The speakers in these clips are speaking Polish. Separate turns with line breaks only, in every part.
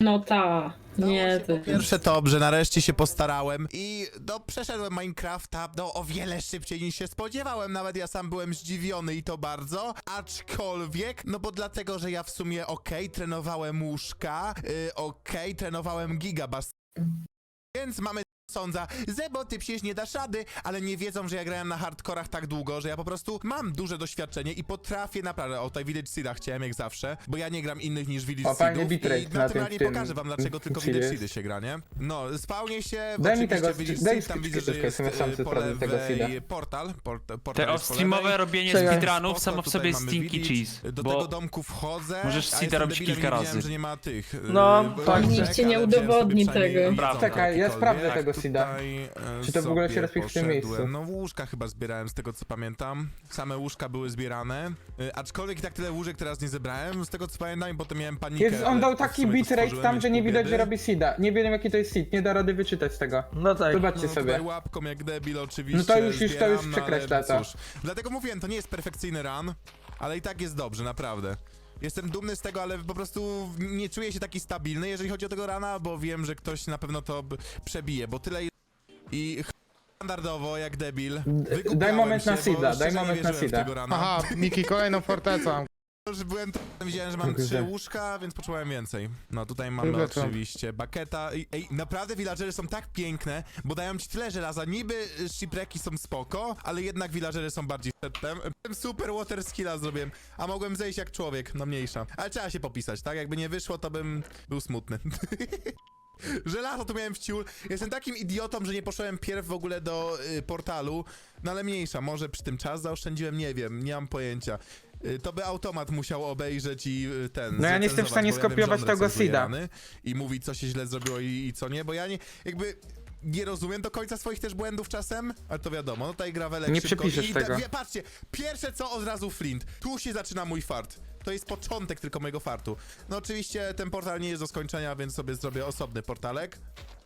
No ta. Nie,
Po
ty.
pierwsze to, że nareszcie się postarałem i przeszedłem Minecrafta o wiele szybciej niż się spodziewałem, nawet ja sam byłem zdziwiony i to bardzo, aczkolwiek, no bo dlatego, że ja w sumie trenowałem łóżka, trenowałem gigabas, więc mamy sądza, Zebo, ty przecież nie dasz rady, ale nie wiedzą, że ja grałem na hardkorach tak długo, że ja po prostu mam duże doświadczenie i potrafię naprawdę, tutaj Village Seeda chciałem jak zawsze, bo ja nie gram innych niż Village
fajny
Seedów
bitrate
i
na
naturalnie
tym
pokażę wam, dlaczego tylko
seedzie
Village
jest.
Seedy się gra, nie? No, spawnie się,
Daj mi
oczywiście
tego,
Village
daj
Seed, tam widzę, że
skrzydłeczkę,
jest
jestem sam
po
sprawdzę tego
lewej
seeda.
portal
Te
jest po lewej.
off-streamowe robienie
Czekaj.
speedrunów
Spoko,
samo w
tutaj
sobie
mamy
stinky
village.
cheese,
Do
bo
tego domku wchodzę,
możesz
a
seeda
jestem
robić
debilem i
kilka
nie widziałem,
razy.
że nie ma tych...
No,
tak,
nikt
ci nie udowodni tego.
Prawda.
Ja sprawdzę tego
Tak,
seeda.
tutaj,
Czy to w ogóle się
sobie
respisz w tym miejscu?
poszedłem. No łóżka chyba zbierałem z tego co pamiętam. Same łóżka były zbierane. Aczkolwiek i tak tyle łóżek teraz nie zebrałem, z tego co pamiętam i potem miałem panikę.
Jest, on dał
ale w
taki
sumie to
bitrate
stworzyłem,
tam,
więc
że nie
pół
widać, że
biedy.
robi seeda. Nie wiem jaki to jest seed, nie da rady wyczytać z tego.
No tak.
Zobaczcie
No tutaj
sobie.
łapką jak debil oczywiście.
No to już
zbieram, no,
przekreśla
ale
to.
cóż. Dlatego mówiłem, to nie jest perfekcyjny run, ale i tak jest dobrze, naprawdę. Jestem dumny z tego, ale po prostu nie czuję się taki stabilny, jeżeli chodzi o tego rana, bo wiem, że ktoś na pewno to przebije, bo tyle i standardowo, jak debil.
Daj moment
się,
na
bo
seeda,
szczerze
daj
nie
moment na
wierzyłem w
seeda.
tego rana.
Aha, Miki, kolejną fortecą.
Już byłem widziałem, że mam
Kurde.
3 łóżka, więc poczułem więcej. No tutaj mamy
Kurde, co?
oczywiście baketa. Ej, naprawdę villagery są tak piękne, bo dają ci tyle żelaza. Niby shipwrecki są spoko, ale jednak villagery są bardziej przedtem. Super water skilla zrobiłem, a mogłem zejść jak człowiek, no mniejsza. Ale trzeba się popisać, tak? Jakby nie wyszło, to bym był smutny. Żelazo tu miałem w ciul. Jestem takim idiotą, że nie poszedłem pierw w ogóle do portalu. No ale mniejsza, może przy tym czas zaoszczędziłem, nie wiem, nie mam pojęcia. To by automat musiał obejrzeć i
No ja nie jestem w stanie skopiować tego seeda.
I mówić, co się źle zrobiło i co nie, bo ja nie, jakby... Nie rozumiem do końca swoich też błędów czasem, ale to wiadomo, no tutaj Gravelek
Nie
szybko
przepiszesz tego.
Patrzcie, pierwsze co od razu flint. Tu się zaczyna mój fart. To jest początek tylko mojego fartu. No oczywiście ten portal nie jest do skończenia, więc sobie zrobię osobny portalek.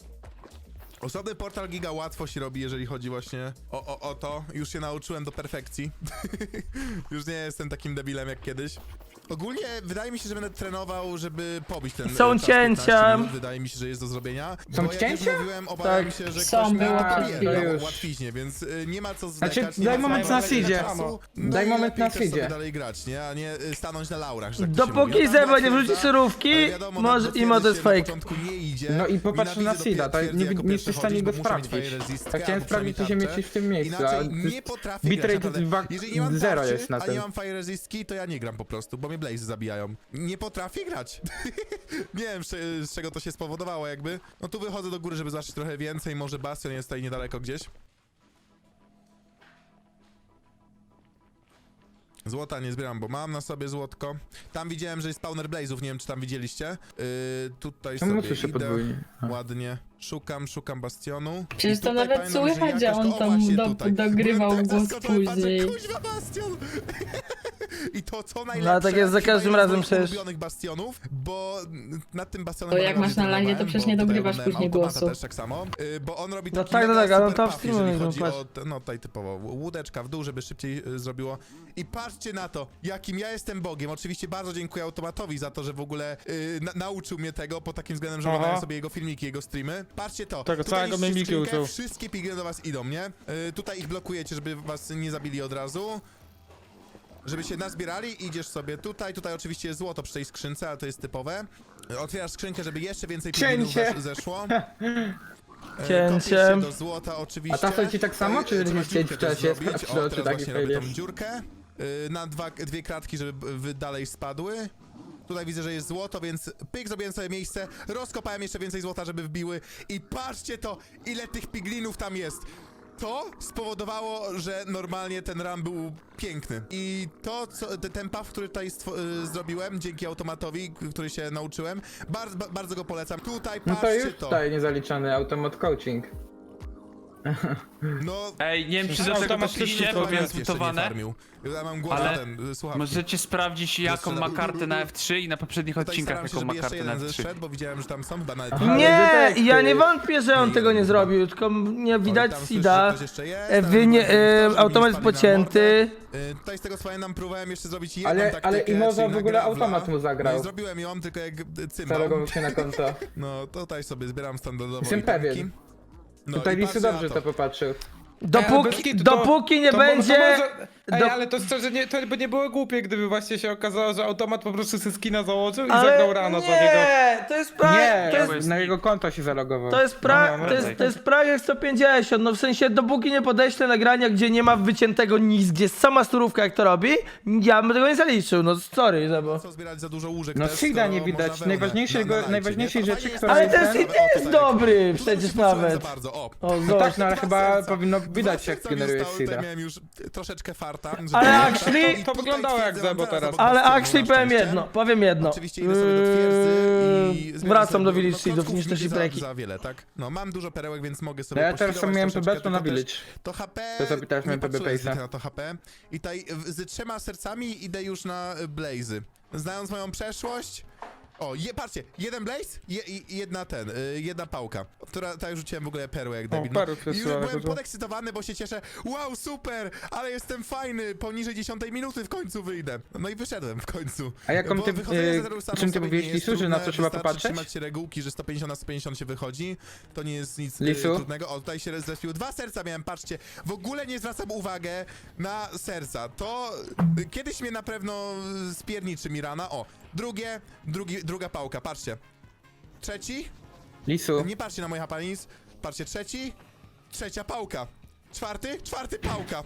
Osobny portal giga łatwo się robi, jeżeli chodzi właśnie o to. Już się nauczyłem do perfekcji. Już nie jestem takim debilem jak kiedyś. Ogólnie wydaje mi się, że będę trenował, żeby pobić ten
Są
czas
cięcia.
15 minut. Wydaje mi się, że jest do zrobienia.
Są
bo jak
cięcia?
już mówiłem, obawiam
Tak.
się, że
Są,
ktoś mnie
było
pobije
przed chwilą.
na łatwiźnie, więc nie ma co
Znaczy,
zwlekać. nie
daj
ma co
moment na
marnować
seedzie.
czasu.
Daj
i
moment
lepiej
na
też sobie
seedzie.
dalej grać, nie? A nie stanąć na laurach, że tak to się
Dopóki
mówi. Ja tam
Zeba nie
potwierdza,
wrzuci surówki,
ale wiadomo,
może
no,
i to jest
na
fake.
początku nie idzie.
No i popatrz na
Nienawidzę
seeda, to
twierdzę
nie,
jako
nie
pierwszy
jesteś w stanie
chodzić,
go
bo muszę mieć
sprawdzić.
fajerezistkę
Tak chciałem
albo
sprawdzić, czy się
przynajmniej
mieścisz w tym miejscu,
Inaczej
a
nie potrafię grać,
bitrate
naprawdę.
dwa-
Jeżeli nie mam
zero
tarczy,
jest na
a
tym.
nie mam fajerezistki, to ja nie gram po prostu, bo mnie Blaze zabijają. Nie potrafię grać. Nie wiem, z czego to się spowodowało jakby. No tu wychodzę do góry, żeby zobaczyć trochę więcej, może bastion jest tutaj niedaleko gdzieś. Złota nie zbieram, bo mam na sobie złotko. Tam widziałem, że jest spawner Blaze'ów, nie wiem czy tam widzieliście. Tutaj
Czemu
sobie
słyszę
idę,
podwójnie? A.
ładnie. Szukam bastionu.
Przecież
I
to
tutaj
nawet
pamiętam, że
słychać, że
jakaś-
on
o,
tam
właśnie tutaj.
dogrywał
Byłem tak
głos
zaskoczony, patrzę,
później.
kuźwa bastion! I to co
No,
najlepsze,
ale tak jest za
chyba
każdym
jeden z
razem
moich
przecież.
ulubionych bastionów, bo nad tym bastionem...
To jak
bardzo
masz na live'ie, to
trenowałem,
przecież
bo
nie
tutaj
dogrywasz
oglądałem
później
automata
głosu.
też tak samo, bo on robi
No
taki
tak, no
mega
tak, ale on
super
to
puff, jeżeli
streamuje,
chodzi
no
o... No tutaj typowo, łódeczka w dół, żeby szybciej zrobiło. I patrzcie na to, jakim ja jestem bogiem. Oczywiście bardzo dziękuję automatowi za to, że w ogóle nauczył mnie tego, pod takim względem, że
Aha.
oglądałem sobie jego filmiki, jego streamy. Patrzcie to.
Tego
Tutaj
całego
niszczycie
mimiki
skrzynkę,
uczył.
wszystkie pigry do was idą, nie? Tutaj ich blokujecie, żeby was nie zabili od razu. Żeby się nazbierali, idziesz sobie tutaj oczywiście jest złoto przy tej skrzynce, ale to jest typowe. Otwierasz skrzynkę, żeby jeszcze więcej piglinów
Cięcie.
zeszło.
Cięcie.
Kopiesz się do złota oczywiście.
A ta chodzi tak samo, czy
Trzeba
nie chcieć
dziurkę
w czasie
też zrobić.
sprawdzić,
O,
czy
teraz
taki
właśnie
fail
robię tą
jest?
dziurkę. Na dwie kratki, żeby dalej spadły. Tutaj widzę, że jest złoto, więc pyk, zrobiłem sobie miejsce, rozkopałem jeszcze więcej złota, żeby wbiły i patrzcie to, ile tych piglinów tam jest. To spowodowało, że normalnie ten run był piękny. I to, ten puff, który tutaj zrobiłem, dzięki automatowi, który się nauczyłem, bardzo go polecam. Tutaj
No to
patrzcie
już
to.
tutaj niezaliczony automat coaching.
No,
Ej, nie wiem czy do
Automat
tego
wszystko
doszliście,
to
bo miałem
jeszcze nie
zmutowane.
farmił. Ja mam głos
Ale
słucham.
Możecie sprawdzić jaką ma kartę na F3 i na poprzednich
Tutaj
odcinkach
staram się,
jaką
żeby
ma
jeszcze
kartę na
jeden
F3.
zeszedł, bo widziałem, że tam są chyba nawet...
Nie, ja nie wątpię, że on tego nie zrobił, tylko nie widać Sida. Automat jest pocięty.
Tutaj z tego co pamiętam próbowałem jeszcze zrobić jedną
Ale
taktykę,
Imoza
czyli
w ogóle
na Gravla.
automat mu zagrał.
No i zrobiłem ją, tylko jak cymbał.
Zalogował się na konto.
No tutaj sobie zbieram standardowo
Jestem
itemki.
pewien.
No
Tutaj
i
Lisy
patrzę na
dobrze to popatrzył.
Dopóki nie będzie...
Ej,
do-
ale to szczerze, to by nie było głupie, gdyby właśnie się okazało, że automat po prostu sobie skina założył i
Ale
zagrał rano za niego.
nie, to jest prank,
Nie,
to jest,
na jego konto się zalogował.
to jest prank,
No,
to jest prank jak 150, no w sensie dopóki nie podeślę nagrania, gdzie nie ma wyciętego nic, gdzie jest sama surówka jak to robi, ja bym tego nie zaliczył, no sorry, Zebo.
Co zbierać za dużo łóżek
No
też,
Sida
to
nie widać.
można wełnę
Najważniejszej
na
rzeczy,
lajcie,
która
Ale
jest
ten
ten-
Sid jest
tutaj.
dobry,
Tutaj
przecież
się poczułem
nawet.
za bardzo, o.
O,
No
zobacz.
tak, no ale
Dwa
chyba
serca.
powinno
Dwa
widać jak
serca mi
generuje
zostały, tutaj
Sida.
miałem już troszeczkę farta.
Ale
żeby-
actually-
I tutaj
To wyglądało jak
twierdzę,
Zebo
mam zaraz
teraz.
obok
Ale
ściany,
actually
na
powiem
szczęście.
jedno, powiem jedno.
Oczywiście idę sobie do twierdzy i zbieram
Wracam
sobie
do
dużo-
Village
no,
Seedów
klocków
niż też
nigdy
breki.
za wiele, tak? No mam dużo perełek, więc mogę
No
sobie
ja teraz
pościgować
miałem
troszeczkę,
PB, to na
tylko też
Village.
To HP...
To zapytałeś mnie
nie
PB
patrzyłem
Pace'a.
zwykle na to HP. I tutaj z 3 sercami idę już na Blazy. Znając moją przeszłość... O, patrzcie, jeden blaze i jedna pałka, która tak rzuciłem w ogóle perłę jak debil.
perł
I już
przesyłane
byłem
dużo.
podekscytowany, bo się cieszę. Wow, super, ale jestem fajny, poniżej 10 minuty w końcu wyjdę. No i wyszedłem w końcu.
A jaką
Bo
ty-
wychodzenie z zeru samo
czym ty
sobie
mówiłeś,
nie jest
Lisu, że na
trudne,
co trzeba
wystarczy
popatrzeć?
trzymać się regułki, że 150 na 150 się wychodzi. To nie jest nic
Lisu?
trudnego. O, tutaj się zrespił. 2 serca miałem, patrzcie. W ogóle nie zwracam uwagę na serca. To kiedyś mnie na pewno spierniczy mi rana. O, druga pałka, patrzcie. Trzeci?
Lisu.
Nie patrzcie na moje hapanis. Patrzcie, trzeci. Trzecia pałka. Czwarty pałka.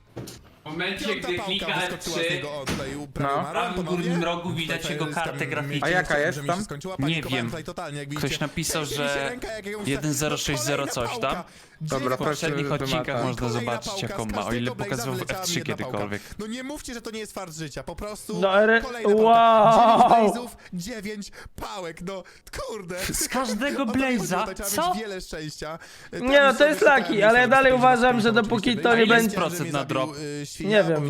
W momencie,
Piąta
gdy
pałka
klika
wyskoczyła z
F3,
niego. O, tutaj
No.
w
prawie
prawym górnym rogu widać jego kartę graficzną.
A jaka jest
że mi
tam?
się skończyła,
Nie
panikowałem
wiem.
tutaj totalnie, jak
Ktoś
widzicie.
napisał,
Trzęsie mi się
że
ręka, jak jakąś-
1060
kolejna
coś
pałka.
tam.
Dobra,
W poprzednich
proszę,
odcinkach
wymata.
można
Kolejna
zobaczyć
pałka,
jaką
z
ma, o ile
każdego blaze'a
pokazywał w
wyleciała mi
F3
jedna pałka.
kiedykolwiek.
No nie mówcie, że to nie jest fart życia, po prostu
No,
kolejna pałka.
wow.
9 blazów, 9 pałek, no kurde.
Z każdego
O to chodzi,
blaze'a?
tutaj trzeba
Co?
mieć wiele szczęścia.
Nie no, to jest laki, ale ja dalej uważam, że dopóki to nie będzie...
procent na drop?
Nie wiem.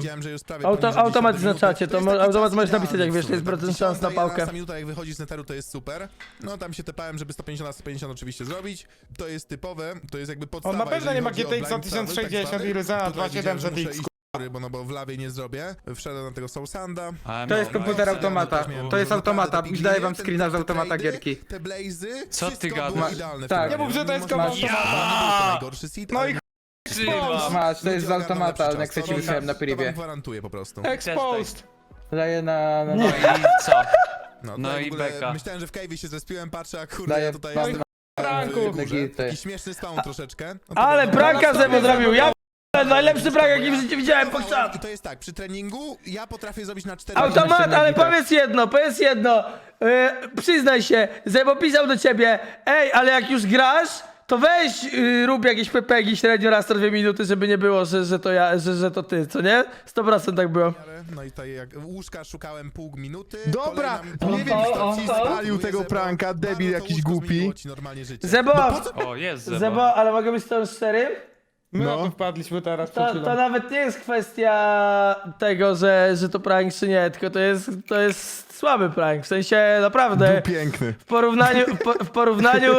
Automat jest na czacie, to automat możesz napisać jak wiesz, jest procent szans na pałkę.
Minuta jak wychodzi z neteru to jest super. No tam się tepałem, żeby 150 na 150 oczywiście zrobić. To jest typowe, to jest jakby podstawa.
On na pewno
jeżeli
nie ma
chodzi o
GTX
blind travel,
1060
tak zwany.
i Ryzena
Tutaj widziałem, że
2700
muszę iść, bo w lawie nie zrobię. Wszedłem na tego Soul Sanda.
To jest komputer automata. To jest automata. Już daję wam screena z automata gierki.
Te blazy,
Co ty
wszystko
gadasz?
było idealne w
Tak.
tym
Nie mów, że to jest
Można-
komputer
Nie był to najgorszy seed,
No
ale
i
Masz, to jest z
ludzie
automata,
ogarną
jak
lepszy
chcecie
czas.
wysłałem na
To wam
privie.
gwarantuję po prostu.
Exposed.
Daję na...
No i co?
No,
No
tutaj
i
w ogóle
beka.
Myślałem, że w cave'ie się zespiłem, patrzę, a kurde,
Daję
ja tutaj
no i
jestem
pranku.
w górze.
Gity.
Taki śmieszny spawn troszeczkę. No to
Ale
wiadomo.
pranka Zebo zrobił, ja najlepszy prank jaki w życiu widziałem
I
podczas...
to jest tak, przy treningu ja potrafię zrobić na 4
Automat, ale powiedz jedno, przyznaj się, Zebo pisał do ciebie, ej, ale jak już grasz, to weź rób jakieś pepegi średnio raz na 2 minuty, żeby nie było, że to ja, że to ty, co nie? 100% tak było.
No i tutaj jak łóżka szukałem pół minuty.
Dobra,
kolejna-
nie wiem kto ci
Oho.
spalił tego
Zebo,
pranka, debil
bardzo to
jakiś
łóżko
głupi.
zmieniło ci normalnie życie.
Zebo,
O, jest Zebo.
Zebo, ale mogę być z tą szczerym?
My
No.
na to wpadliśmy teraz przed
To
chwilą.
nawet nie jest kwestia tego, że to prank czy nie, tylko to jest słaby prank, w sensie naprawdę
Był piękny.
w porównaniu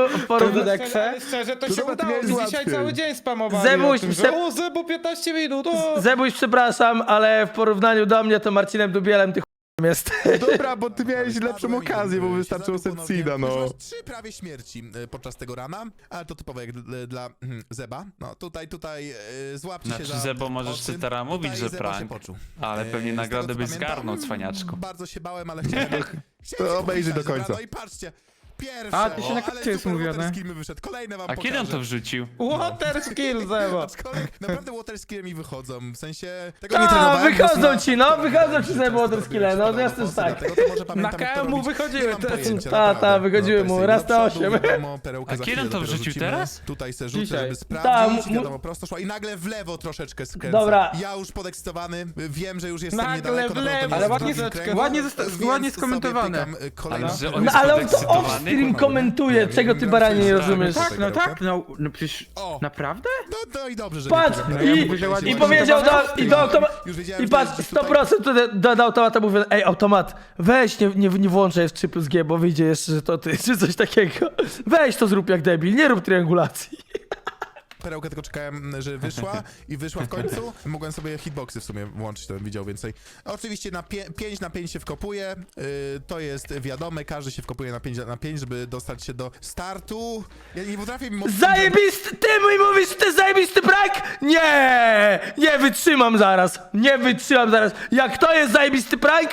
Ale szczerze, to się
nawet
udało.
miałeś
Mi dzisiaj
łatwiej.
cały dzień spamowali
Zebuś,
o tym, że o, Zebo 15 minut, o!
Zebuś, przepraszam, ale w porównaniu do mnie to Marcinem Dubielem ty ch**em jest.
Dobra, bo ty miałeś lepszą okazję, bo wystarczyło set seeda, no.
Masz 3 prawie śmierci podczas tego rana, ale to typowe jak dla Zeba. No tutaj złapcie się
Znaczy
za
Zebo możesz
oczy.
ty teraz mówić,
Tutaj
że
Zebo się
prank.
poczuł.
Ale pewnie
Z
nagrodę
tego, co
byś
pamiętam,
zgarnął, cwaniaczku.
Bardzo się bałem, ale chciałem
To obejrzyj do
pokazać.
końca.
No i patrzcie. Pierwsze.
A, to się na
ale
końcu jest
super
mówione.
water skill mi wyszedł. Kolejne wam
A kiedy on to
pokażę.
wrzucił?
Water skill, Zebo!
Aczkolwiek naprawdę water skille mi wychodzą, w sensie... Tego nie trenowałem.
wychodzą
mocno.
ci, no, wychodzą ci ze
Często
water
to
skille,
robiłem,
no, jasne, że
wpadałem
tak.
w fosy, dlatego to może pamiętam,
Na
jak to
KM-u
robić.
wychodziły
Nie mam
te-
pojęcia,
Ta,
naprawdę.
wychodziły
No, to
mu,
jest
raz na
do przodu,
8.
wiadomo, perełkę
A
za
kiedy
chwilę
on to
dopiero
wrzucił
rzucimy.
teraz?
Tutaj se rzucę,
Dzisiaj.
żeby sprawdzić,
Ta,
wiadomo, prosto szło i nagle w lewo troszeczkę skręcę.
Dobra.
Ja już podekscytowany, wiem, że już jestem
Nagle
niedaleko.
w
na pewno to
lewo.
nie
Ale
jest
ładnie
drugi
zosta-
kręg,
ładnie
więc
zosta-
sobie
ładnie
pykam,
skomentowane.
kolejną
Ale że
perełkę.
on jest
No ale on to
podekscytowany?
stream komentuje, czego ty baranie nie rozumiesz.
Tak, no tak, no przecież...
O.
Naprawdę?
No i dobrze, że
Patrz,
nie
ja
i,
mówię, że ładnie
i powiedział do automatu,
Już wiedziałem,
i
że
patrz,
gdzieś tutaj-
100% do automata mówię, ej automat, weź nie włączaj w 3+G, bo wyjdzie jeszcze, że to ty, czy coś takiego. Weź to zrób jak debil, nie rób triangulacji.
Perełkę tylko czekałem, że wyszła i wyszła w końcu. Mogłem sobie hitboxy w sumie włączyć, to bym widział więcej. Oczywiście na 5 na 5 się wkopuje, to jest wiadome, każdy się wkopuje na 5 na 5, żeby dostać się do startu. Ja nie potrafię mimo...
Zajebisty, ty mi mówisz, że to jest zajebisty prank? Nie wytrzymam zaraz, Jak to jest zajebisty prank?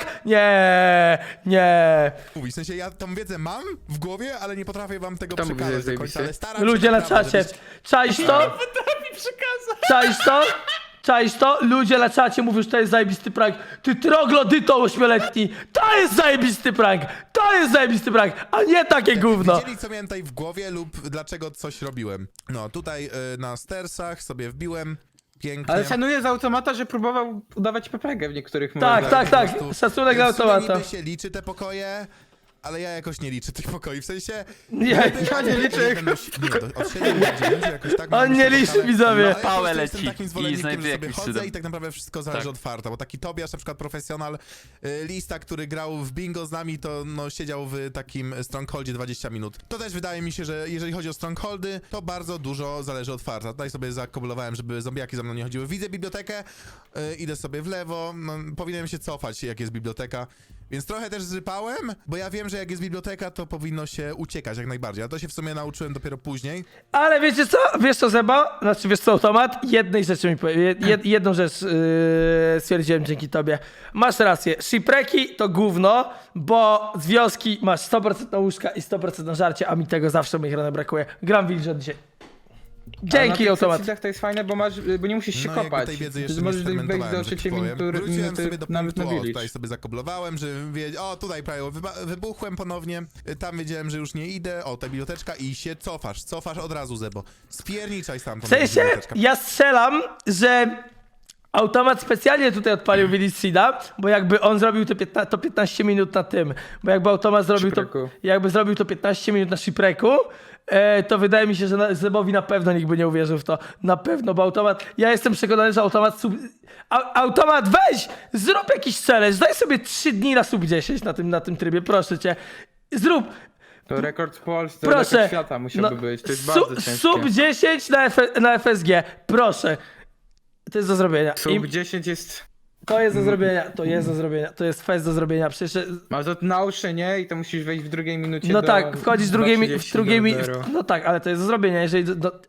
Nie.
Mówić, w sensie ja tą wiedzę mam w głowie, ale nie potrafię wam tego
Kto mówi, że
przekazać
jest
do końca, ale
zajebisty?
staram się
Ludzie na
naprawdę,
czacie, czaisz to? Czaisz to? Ludzie na czacie mówią, że to jest zajebisty prank. Ty troglodyto 8-letni, to jest zajebisty prank, a nie takie gówno.
Wiedzieli, co miałem tutaj w głowie lub dlaczego coś robiłem. No, tutaj na stersach sobie wbiłem. Pięknie.
Ale szanuję z automata, że próbował udawać PPG w niektórych
Tak,
momentach.
tak,
Po prostu-
szacunek dla
w sumie
automata.
niby się liczy te pokoje, ale ja jakoś nie liczę tych pokoi, w sensie...
Nie,
ja nie liczę.
Od 7 do 9 jakoś tak...
On nie liczy, widzowie.
Ale po prostu
Pałę
jestem
leci
takim
i
zwolennikiem,
znajduje
że sobie
jakimś
chodzę
cudem.
i tak naprawdę wszystko zależy
Tak.
od farta, bo taki Tobiasz, na przykład profesjonal, Lista, który grał w bingo z nami, to no siedział w takim strongholdzie 20 minut. To też wydaje mi się, że jeżeli chodzi o strongholdy, to bardzo dużo zależy od farta. Tutaj sobie zakoblowałem, żeby zombiaki za mną nie chodziły. Widzę bibliotekę, idę sobie w lewo, no, powinienem się cofać, jak jest biblioteka. Więc trochę też zrypałem, bo ja wiem, że jak jest biblioteka, to powinno się uciekać jak najbardziej. A to się w sumie nauczyłem dopiero później.
Ale wiecie co? Wiesz co, Zeba? Znaczy, wiesz co, automat? Jednej rzeczy mi powie. Jedną rzecz stwierdziłem dzięki tobie. Masz rację. Shipwrecki to gówno, bo z wioski masz 100% na łóżka i 100% na żarcie, a mi tego zawsze w moich ranach brakuje. Gram Wilża dzisiaj. Dzięki, automat.
To jest fajne, bo nie musisz się
No, jakby
kopać.
tej wiedzy jeszcze
Możesz
nie
wejść do
sfermentowałem, że tak
trzeciej
powiem. Wróciłem sobie do
nawet
punktu,
na
o,
village.
tutaj sobie zakoblowałem, że o, tutaj prawie wybuchłem ponownie, tam wiedziałem, że już nie idę, o, ta biblioteczka i się cofasz od razu, Zebo. Spierniczaj stamtąd.
W sensie,
biblioteczka.
ja strzelam, że automat specjalnie tutaj odpalił Village Seeda, bo jakby on zrobił to 15 minut na tym, bo jakby automat zrobił to,
Shipwrecku.
jakby zrobił to 15 minut na Shipwrecku, to wydaje mi się, że Zebowi na pewno nikt by nie uwierzył w to. Na pewno, bo automat, ja jestem przekonany, że automat automat, weź! Zrób jakiś challenge, daj sobie 3 dni na sub 10 na tym trybie, proszę cię. Zrób,
To rekord w Polsce,
proszę.
rekord świata musiałby być. To jest bardzo ciężkie.
Sub 10 na FSG, proszę. To jest do zrobienia.
Sub 10 jest...
To jest do zrobienia, to jest fest do zrobienia, przecież...
Masz to nauczenie i to musisz wejść w drugiej minucie
No
do...
tak, wchodzisz w drugiej
do
no tak, ale to jest do zrobienia, jeżeli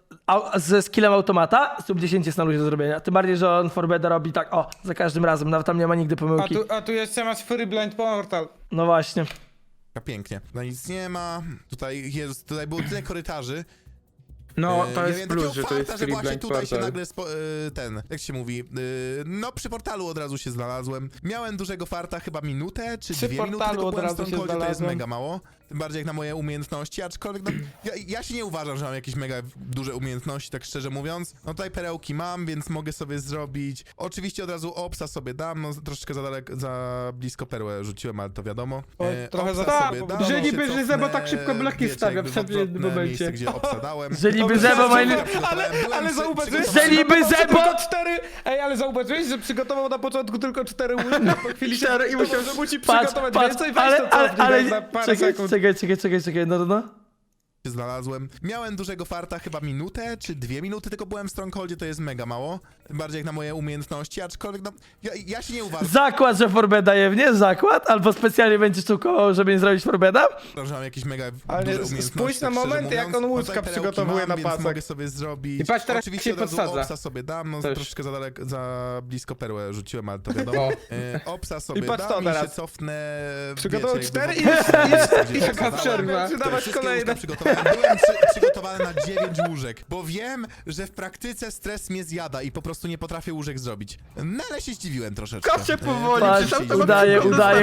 ze skillem automata, sub 10 jest na luzie do zrobienia, tym bardziej, że on Forbeda robi tak, o, za każdym razem, nawet tam nie ma nigdy pomyłki.
A tu jeszcze masz Fury Blind Portal.
No właśnie.
Pięknie. No nic nie ma, tutaj było tyle korytarzy.
No, to
Ja
jest
miałem
plus,
takiego
że to
farta,
jest
że
free
właśnie
blind
tutaj się
portal.
nagle jak się mówi, no przy portalu od razu się znalazłem. Miałem dużego farta, chyba minutę czy
Przy
2 minuty,
portalu
tylko
od
byłem w
razu się
Strongholdzie, to jest
znalazłem.
mega mało. Tym bardziej jak na moje umiejętności, aczkolwiek no, ja się nie uważam, że mam jakieś mega duże umiejętności, tak szczerze mówiąc. No tutaj perełki mam, więc mogę sobie zrobić. Oczywiście od razu obsa sobie dam, no troszeczkę za blisko perłę rzuciłem, ale to wiadomo.
Oj, trochę
Obsa
za-
sobie
bo-
dam,
że
się
niby, że
cofnę,
Zebo tak szybko bloki
wiecie,
stawia
jakby
w
w
jednym
odwrotne
momencie.
miejsce, gdzie obsa dałem.
Że niby Zebo ma...
Ale zauważyłeś,
Że niby Zebo-
tylko 4... Ej, ale zauważyłeś, że przygotował na początku tylko 4 łóżka, po chwili się
Cztery i musiał-
że musi
Patrz,
przygotować
patrz,
więcej, weź to cofnij na parę sekund.
czekaj, no.
Się znalazłem. Miałem dużego farta, chyba minutę czy 2 minuty, tylko byłem w Strongholdzie, to jest mega mało. Tym bardziej jak na moje umiejętności, aczkolwiek no, ja się nie uważam,
Zakład, że Forbeda je, nie? Zakład? Albo specjalnie będziesz czukował, żeby nie zrobić Forbeda?
że mam jakieś mega
Ale
duże umiejętności.
spójrz na
tak szczerze
momenty, jak
mówiąc.
on
No
łóżka
tutaj perełki
przygotowuje na
więc
pasek.
mogę sobie zrobić.
I patrz, teraz
Oczywiście
się
od razu
podsadza.
obsa sobie dam, no
Też.
troszeczkę za blisko perłę rzuciłem, ale to wiadomo. Obsa sobie
patrz to
dam i się
teraz.
cofnę.
Przygotował
wiecie,
4
jakby
i
w-
taka przerwa.
Te
Przydawać
wszystkie
kolejne.
łóżka przygotowałem. Byłem przygotowany na 9 łóżek, bo wiem, że w praktyce stres mnie zjada i po prostu nie potrafię łóżek zrobić. No ale się zdziwiłem troszeczkę.
Kasie powoli,
Patrz,
przecież automat
udaje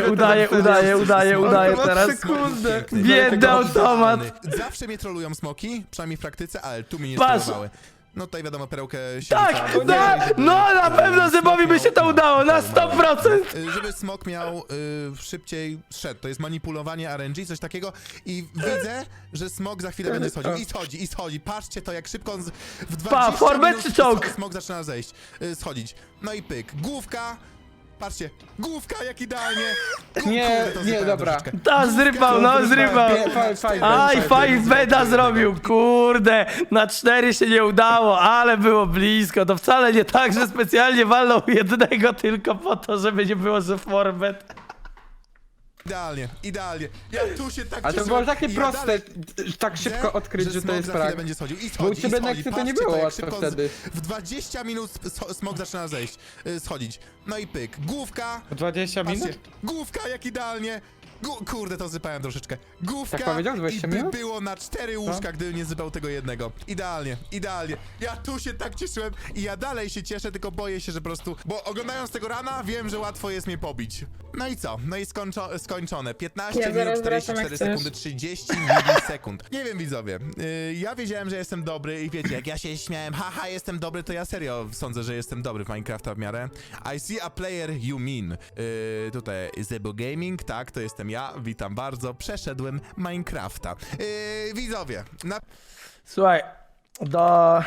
teraz.
Sekundę.
Biedny automat.
Zawsze mnie trolują smoki, przynajmniej w praktyce, ale tu mnie nie
Patrz.
trollowały. No tutaj wiadomo, perełkę się
Tak,
rzuca,
no na pewno Zebowi by się to udało, na 100%.
żeby smok miał szybciej szedł. To jest manipulowanie RNG, coś takiego. I widzę, że smok za chwilę będzie schodził. I schodzi. Patrzcie to, jak szybko on w 20
format
minut
czy czołg?
smok zaczyna zejść, schodzić. No i pyk. Główka. Patrzcie, główka jak idealnie.
Nie,
Kurde, to
nie,
zrypałem
dobra.
troszeczkę.
Ta, zrypał, no zrypał. Aj, fajnie beda zrobił, kurde, na 4 się nie udało, ale było blisko, to wcale nie tak, że specjalnie walnął jednego tylko po to, żeby nie było, że format.
Idealnie. Ja tu się tak
Ale to
cieszyłem
było takie
i ja
proste,
dalej
tak szybko odkryć, że to
smok
jest
za chwilę
prank.
będzie schodził. I
Bo u
schodzi,
ciebie
i
na
schodzi.
Exy to nie
Patrzcie
było
jak
łatwo
szybko
wtedy.
W 20 minut smok zaczyna zejść, schodzić. No i pyk. Główka.
20 minut?
Patrzcie, główka jak idealnie. Kurde, to zypałem troszeczkę. Główka
Tak powiedział? 20
i
minut?
było na 4 łóżka, gdy nie zypał tego jednego. Idealnie. Ja tu się tak cieszyłem i ja dalej się cieszę, tylko boję się, że po prostu... Bo oglądając tego rana, wiem, że łatwo jest mnie pobić. No i co? No i skończone. 15
Ja
minut,
zaraz wracam,
44
jak chcesz.
sekundy, 30 milisekund. Nie wiem, widzowie. Ja wiedziałem, że jestem dobry i wiecie, jak ja się śmiałem, haha, jestem dobry, to ja serio sądzę, że jestem dobry w Minecrafta w miarę. I see a player you mean. Tutaj Zebo Gaming, tak, to jestem ja, witam bardzo. Przeszedłem Minecrafta. Widzowie,
Słuchaj, do...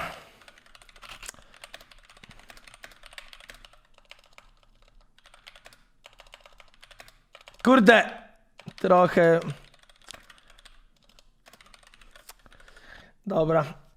Kurde, trochę... Dobra,